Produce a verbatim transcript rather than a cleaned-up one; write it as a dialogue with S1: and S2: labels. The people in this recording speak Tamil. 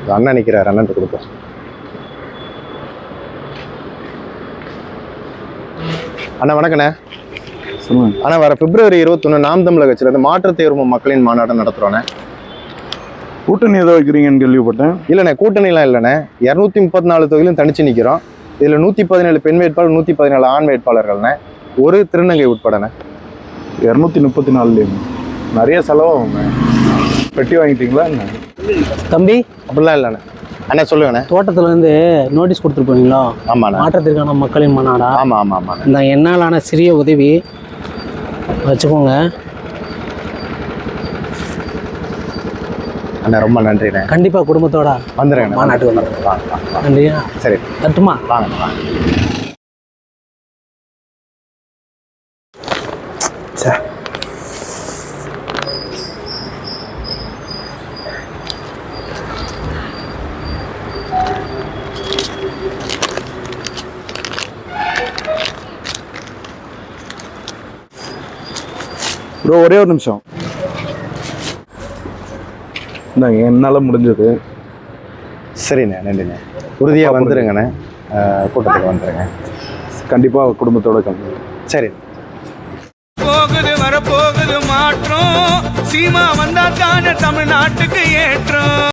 S1: அண்ணன் நிற்கிறார், அண்ணன் கொடுப்போம். அண்ணா வணக்கண்ணே.
S2: சொல்லுங்க
S1: அண்ணா, வர பிப்ரவரி இருபத்தொன்று நாம் தமிழக கட்சியிலேருந்து மாற்றுத் தேர்வு மக்களின் மாநாடு நடத்துகிறோண்ணே.
S2: கூட்டணி ஏதோ வைக்கிறீங்கன்னு கேள்விப்பட்டேன்.
S1: இல்லைண்ணே, கூட்டணிலாம் இல்லைண்ணே. இரநூத்தி முப்பத்தி நாலு தொகுதியிலும் தனிச்சு நிற்கிறோம். இதில் நூற்றி பதினேழு பெண் வேட்பாளர், நூற்றி பதினேழு ஆண் வேட்பாளர்கள்ண்ணே, ஒரு திருநங்கை உட்படண்ணே.
S2: இரநூத்தி முப்பத்தி நாலுலேயும் நிறைய செலவாகுங்க. பெட்டி வாங்கிட்டீங்களா என்ன
S3: தம்பி?
S1: அப்படிலாம் இல்லைண்ணே. அண்ணா சொல்லுங்கண்ணே.
S3: தோட்டத்துலேருந்து நோட்டீஸ் கொடுத்துருப்பீங்களா?
S1: ஆமாண்ணா.
S3: மாற்றத்திற்கான மக்களின் மாநாடா?
S1: ஆமாம் ஆமாம் ஆமாண்ணா.
S3: இந்த என்னாலான சிறிய உதவி வச்சுக்கோங்க
S1: அண்ணா, ரொம்ப நன்றிண்ணே.
S3: கண்டிப்பாக குடும்பத்தோட
S1: வந்துடுறேன்.
S3: மாநாட்டுக்கு வந்துடுறேன்.
S1: வாங்க வாங்க.
S3: நன்றியா?
S1: சரி,
S3: தட்டுமா?
S1: வாங்க வாங்க.
S3: சார்,
S2: ப்ரோ ஒரே ஒரு நிமிஷம். இந்தாங்க, என்னால் முடிஞ்சது.
S1: சரிண்ணே, நன்றிண்ணே. உறுதியாக வந்துடுங்கண்ணே. கூட்டத்துக்கு வந்துடுங்க.
S2: கண்டிப்பாக குடும்பத்தோட கம்மி.
S1: சரி.
S4: போகுது வரப்போகுது மாற்றம், சீமா வந்தா தானே தமிழ்நாட்டுக்கு ஏற்றம்.